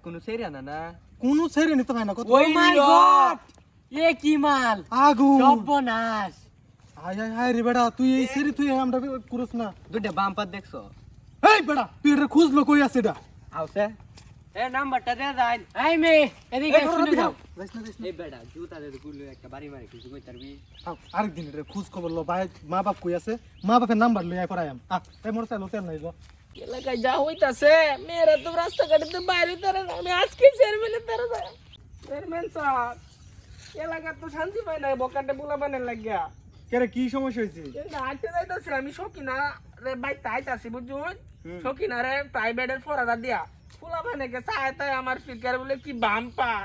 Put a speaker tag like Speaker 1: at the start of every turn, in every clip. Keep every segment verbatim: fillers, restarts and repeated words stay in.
Speaker 1: কোনো ছেড়ে না না
Speaker 2: কোনো ছেড়ে নিতে পারে না কত
Speaker 3: ও মাই গড এ কি মাল
Speaker 2: আগুন
Speaker 3: সর্বনাশ
Speaker 2: হাই হাই হাই রে বেটা তুই এই ছেড়ে তুই আমরা করছ না
Speaker 1: দুইটা বাম্পার দেখছো
Speaker 2: এই বেটা তুই এটা খুঁজলো কই আছে এটা
Speaker 1: আউছে এ নাম্বারটা দে যাই
Speaker 3: এই মে এদিকে শুনে যাও
Speaker 2: যাইস না যাইস না
Speaker 1: এই বেটা জুতা দে গুলো একটা বাড়ি মারি কিছু কই তারবি
Speaker 2: আও, আরেকদিন রে খোঁজ খবর লো ভাই মা বাপ কই আছে মা বাপের নাম্বার লই আই পড়াই আম আ এই মোর চাইলো তেল নাই গো
Speaker 3: এলাকায় যা হইতাছে মেয়েরা তো রাস্তাঘাটে তো বাইরে তারা আমি আজকে চেয়ারম্যানের তারা যায় চেয়ারম্যান স্যার এলাকা তো শান্তি পায় না বকাটে বুলা বানের লাগিয়া
Speaker 2: কেরে কি সমস্যা হইছে
Speaker 3: কিন্তু হাঁটতে যাইতাছি আমি সকিনা রে বাই তাইতাছি বুঝুন সকিনা রে প্রাইভেটের ফরাদা দিয়া ফুলা বানেকে চায় তাই আমার ফিকার বলে কি বাম্পার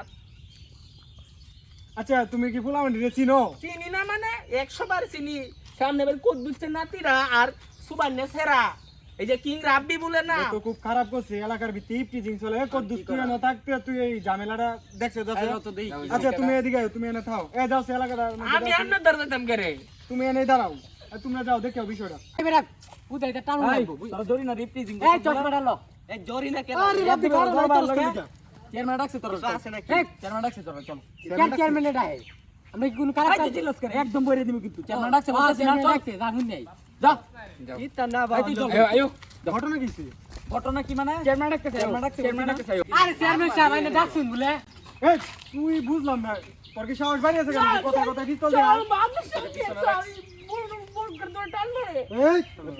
Speaker 2: আচ্ছা তুমি কি ফুলামন্ডি রে চিনো
Speaker 3: চিনি না মানে একশো বার চিনি সামনে বের কোদ দিচ্ছে নাতিরা আর সুবান্নে সেরা এই যে কিং রাব্বি বলে না
Speaker 2: তো খুব খারাপ করছে এলাকার ভিতরে টিচিং চলে কত তুই না থাকতে তুই এই ঝামেলাটা দেখছ যাচ্ছে আচ্ছা তুমি এদিকে আও, তুমি এনে থাও এ যাও সে এলাকাটা
Speaker 3: আমি আপনার দরদাম করে
Speaker 2: তুমি এনে দাঁড়াও আর তোমরা যাও দেখো বিষয়টা
Speaker 3: এবারে উদাইটা টানো লাগবো
Speaker 1: তোরা জরি না রিপ্রিজিং
Speaker 3: এই চশমা ডালো
Speaker 1: এই জরি না কেন
Speaker 2: আরে রাব্বি কারণ নাই তোর লাগে
Speaker 3: চেয়ারম্যান ডাকছে তোর
Speaker 1: আছে নাকি
Speaker 3: এই
Speaker 1: চেয়ারম্যান ডাকছে তোরা চল
Speaker 3: কেন চেয়ারম্যান ডাকে আমরা কি কোনো খারাপ কাজ
Speaker 1: জিজ্ঞেস করে।
Speaker 3: একদম বইরে দিমু কিন্তু চেয়ারম্যান ডাকছে বলতে চেয়ারম্যান ডাকছে জানুন নাই যা
Speaker 1: ইতা না বাবা
Speaker 3: আয়ো
Speaker 2: ঘটনা কিছে
Speaker 1: ঘটনা কি মানে
Speaker 3: চেয়ারম্যান ডাকছে
Speaker 1: চেয়ারম্যান ডাকছে চেয়ারম্যান ডাকছে
Speaker 3: আরে চেয়ারম্যান সাহেব আইনা ডাকছুন বলে
Speaker 2: এই তুই বুঝলাম না তোর কি সাহস বাড়ি আছে কেন কথা কথা পিস্তল দে
Speaker 3: চল মানুষ কি সরি বল বল করে তো টান মারে
Speaker 2: এই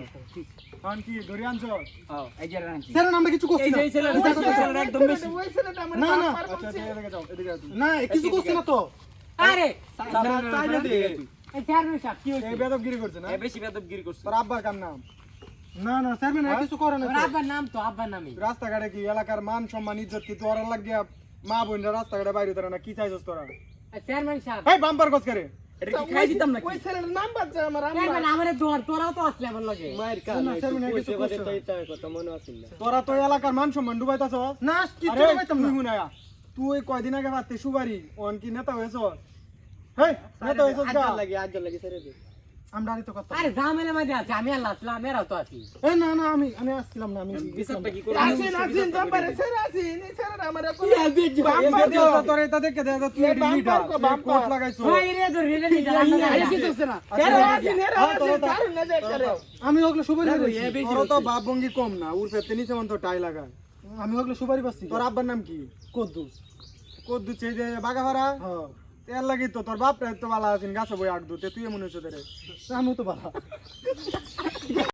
Speaker 2: কারণ কি ধরে আনছ
Speaker 1: হ্যাঁ এই যে রাখি
Speaker 2: স্যার আমরা কিছু করছি না
Speaker 1: এই ছেলে ছেলে একদম বেশি
Speaker 3: ওই ছেলেটা আমার
Speaker 2: না না
Speaker 3: বাবার
Speaker 2: আচ্ছা
Speaker 3: বলছে।
Speaker 2: এদিকে যাও এদিকে যাও না কিছু করছি না তো
Speaker 3: আরে
Speaker 2: চাইলে দে
Speaker 3: এই চেয়ারম্যান সাহেব কি হইছে
Speaker 2: এই বেদবগিরি করছে না
Speaker 1: এ বেশি বেদবগিরি করছে
Speaker 2: তোর আব্বার কার নাম না না স্যার মানে কিছু করে না
Speaker 3: ওর আব্বার নাম তো আব্বার নামই
Speaker 2: রাস্তাঘাটে কি এলাকার মান সম্মান ইজ্জত কি তোর লাগিয়া মা বোনরা রাস্তাঘাটে বাইরে তোরা না কি চাইছস তোরা
Speaker 3: চেয়ারম্যান সাহেব
Speaker 2: এই বাম্পার কস করে
Speaker 1: এটা কি খাই দিতাম নাকি
Speaker 3: ওই ছেলের নাম বাজছে আমার চেয়ারম্যান আমারে দৌড় তোরাও তো আসলে আমার লগে
Speaker 1: মায়ের
Speaker 2: না,
Speaker 1: কানে
Speaker 2: স্যার, মানে কিছু
Speaker 1: কইছে বাদে
Speaker 2: করছে
Speaker 1: তো
Speaker 2: না।
Speaker 1: এটা কথা মনে আছে না
Speaker 2: তোরা তো এলাকার মান সম্মান ডুবাইতাছ না কি
Speaker 1: আরে,
Speaker 2: ডুবাইতাম না হুনায়া তুই কয়দিন আগে পারতে সুবারি অন কি নেতা হয়েছ হেই নেতা হয়েছ গা
Speaker 1: আজ লাগি আজ লাগি ছেড়ে দে
Speaker 2: আমরা তো কথা
Speaker 3: আরে জামেলা মধ্যে আছে আমি আল্লাহ আসলাম এরাও তো আছি
Speaker 2: এই না না আমি আমি আসছিলাম না আমি
Speaker 1: বিচারটা কি করে
Speaker 3: আসেন আসেন জাম্পারে স্যার আসেন এই স্যার আমার কোন
Speaker 2: বাম্পার দিও তোর এটা দেখে দে তুই এডি লিডার কোট লাগাইছো
Speaker 3: ওই রে ধরে রে রে আরে কি করছ না স্যার আসেন এরা আসেন কারণ না দেখ করে
Speaker 2: আমি ওগুলো সুবারি
Speaker 1: না,
Speaker 2: পাচ্ছি
Speaker 1: এ বেশি
Speaker 2: তোর তো বাপ ভঙ্গি কম না উর ফেতে নিচে মন তো টাই লাগায় আমি ওগুলো সুবারি পাচ্ছি তোর আব্বার নাম কি কদ্দুস কদ্দুস এই যে বাগাভাড়া হ্যাঁ তেল লাগি তো তোর বাপ তো ভালো আছেন গাছে বই আগ দুতে তুই মনে হচ্ছে রে আমি তো ভালো